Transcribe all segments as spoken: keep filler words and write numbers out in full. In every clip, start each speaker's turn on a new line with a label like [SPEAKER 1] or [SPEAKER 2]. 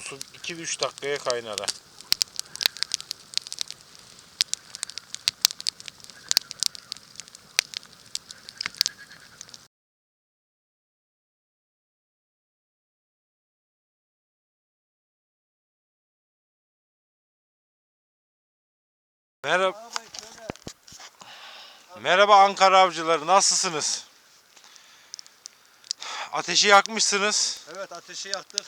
[SPEAKER 1] su iki üç dakikaya kaynar ha. Merhaba. Merhaba Ankara avcıları, nasılsınız? Ateşi yakmışsınız.
[SPEAKER 2] Evet, ateşi yaktık.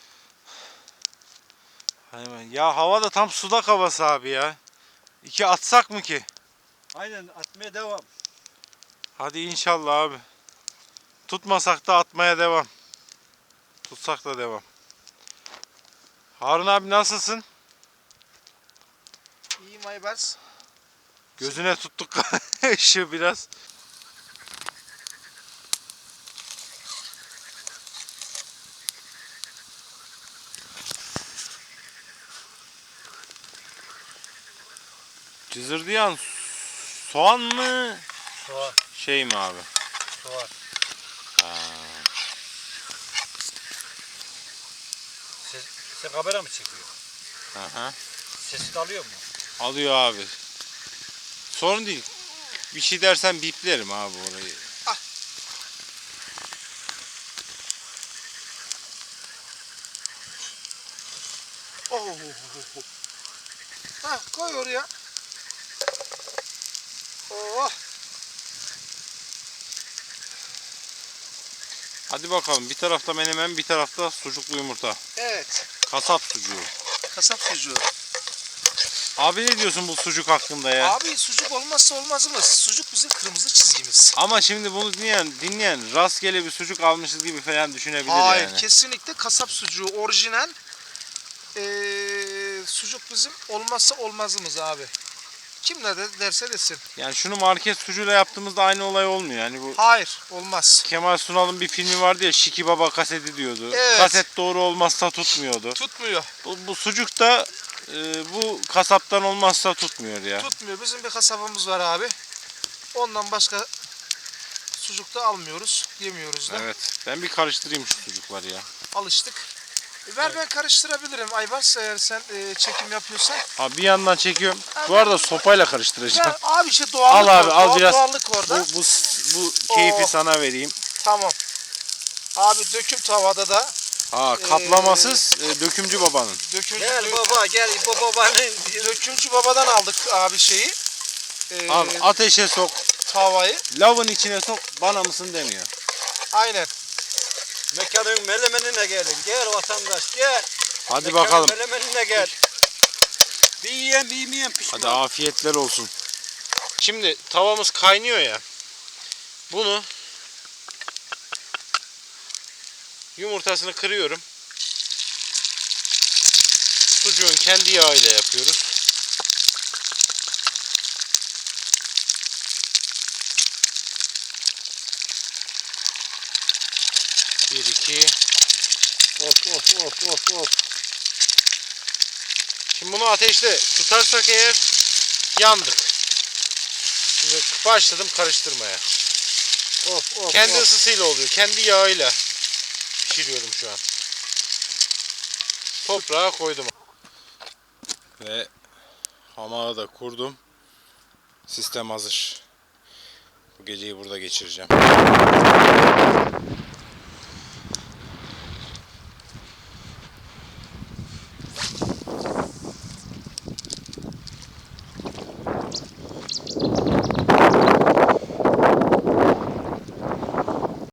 [SPEAKER 1] Ya hava da tam sudak havası abi ya. İki atsak mı ki?
[SPEAKER 2] Aynen, atmaya devam.
[SPEAKER 1] Hadi inşallah abi. Tutmasak da atmaya devam. Tutsak da devam. Harun abi nasılsın?
[SPEAKER 3] İyiyim Aybars.
[SPEAKER 1] Gözüne tuttuk ışığı biraz. Cızırdayan soğan mı?
[SPEAKER 2] Soğan.
[SPEAKER 1] Şey mi abi?
[SPEAKER 2] Soğan.
[SPEAKER 1] Ha.
[SPEAKER 2] Ses, sen kamera mı çekiyor?
[SPEAKER 1] Aha.
[SPEAKER 2] Sesini alıyor mu?
[SPEAKER 1] Alıyor abi. Sorun değil. Bir şey dersen biplerim abi orayı.
[SPEAKER 3] Ah. Oh. Ha, koy oraya. Oh.
[SPEAKER 1] Hadi bakalım, bir tarafta menemen, bir tarafta sucuklu yumurta.
[SPEAKER 3] Evet.
[SPEAKER 1] Kasap sucuğu.
[SPEAKER 3] Kasap sucuğu.
[SPEAKER 1] Abi ne diyorsun bu sucuk hakkında ya?
[SPEAKER 3] Abi sucuk olmazsa olmazımız. Sucuk bizim kırmızı çizgimiz.
[SPEAKER 1] Ama şimdi bunu dinleyen, dinleyen rastgele bir sucuk almışız gibi falan düşünebilir
[SPEAKER 3] Hayır,
[SPEAKER 1] yani.
[SPEAKER 3] kesinlikle kasap sucuğu orijinal. Ee, sucuk bizim olmazsa olmazımız abi. Kim ne de derse desin.
[SPEAKER 1] Yani şunu market sucuğuyla yaptığımızda aynı olay olmuyor. Yani bu
[SPEAKER 3] Hayır, olmaz.
[SPEAKER 1] Kemal Sunal'ın bir filmi vardı ya, Şiki Baba kaseti diyordu.
[SPEAKER 3] Evet.
[SPEAKER 1] Kaset doğru olmazsa tutmuyordu.
[SPEAKER 3] Tutmuyor.
[SPEAKER 1] Bu, bu sucuk da e, bu kasaptan olmazsa tutmuyor ya.
[SPEAKER 3] Tutmuyor. Bizim bir kasabımız var abi. Ondan başka sucuk da almıyoruz, yemiyoruz da.
[SPEAKER 1] Evet. Ben bir karıştırayım şu sucukları ya.
[SPEAKER 3] Alıştık. E, ver ben karıştırabilirim Aybars, eğer sen e, çekim yapıyorsan.
[SPEAKER 1] Abi bir yandan çekiyorum.
[SPEAKER 3] Abi,
[SPEAKER 1] Bu arada sopayla karıştıracağım.
[SPEAKER 3] Ver abi, işte doğallık
[SPEAKER 1] Al abi,
[SPEAKER 3] var.
[SPEAKER 1] al
[SPEAKER 3] Doğal-
[SPEAKER 1] biraz.
[SPEAKER 3] Doğallık orada.
[SPEAKER 1] Bu, bu, bu keyfi
[SPEAKER 3] Oo.
[SPEAKER 1] sana vereyim.
[SPEAKER 3] Tamam. Abi döküm tavada da.
[SPEAKER 1] Ha, kaplamasız e, dökümcü babanın.
[SPEAKER 3] Döküm,
[SPEAKER 2] Gel
[SPEAKER 3] dö-
[SPEAKER 2] baba, gel bu babanın.
[SPEAKER 3] dökümcü babadan aldık abi şeyi. E,
[SPEAKER 1] Abi ateşe sok,
[SPEAKER 3] tavayı.
[SPEAKER 1] lavın içine sok, bana mısın demiyor.
[SPEAKER 3] Aynen.
[SPEAKER 2] Mekanın melemenine gelin. Gel vatandaş, gel.
[SPEAKER 1] Hadi
[SPEAKER 2] Mekanın
[SPEAKER 1] bakalım.
[SPEAKER 2] melemenine gel. Bir yiyen bir yemeyen pişman.
[SPEAKER 1] Hadi afiyetler olsun. Şimdi tavamız kaynıyor ya. Bunu yumurtasını kırıyorum. Sucuğun kendi yağıyla yapıyoruz. Bir iki.
[SPEAKER 2] Of of of of of.
[SPEAKER 1] Şimdi bunu ateşte tutarsak eğer yandık. Şimdi başladım karıştırmaya.
[SPEAKER 2] Of of.
[SPEAKER 1] Kendi
[SPEAKER 2] of.
[SPEAKER 1] ısısıyla oluyor. Kendi yağıyla pişiriyorum şu an. Toprağa koydum. Ve hamağı da kurdum. Sistem hazır. Bu geceyi burada geçireceğim.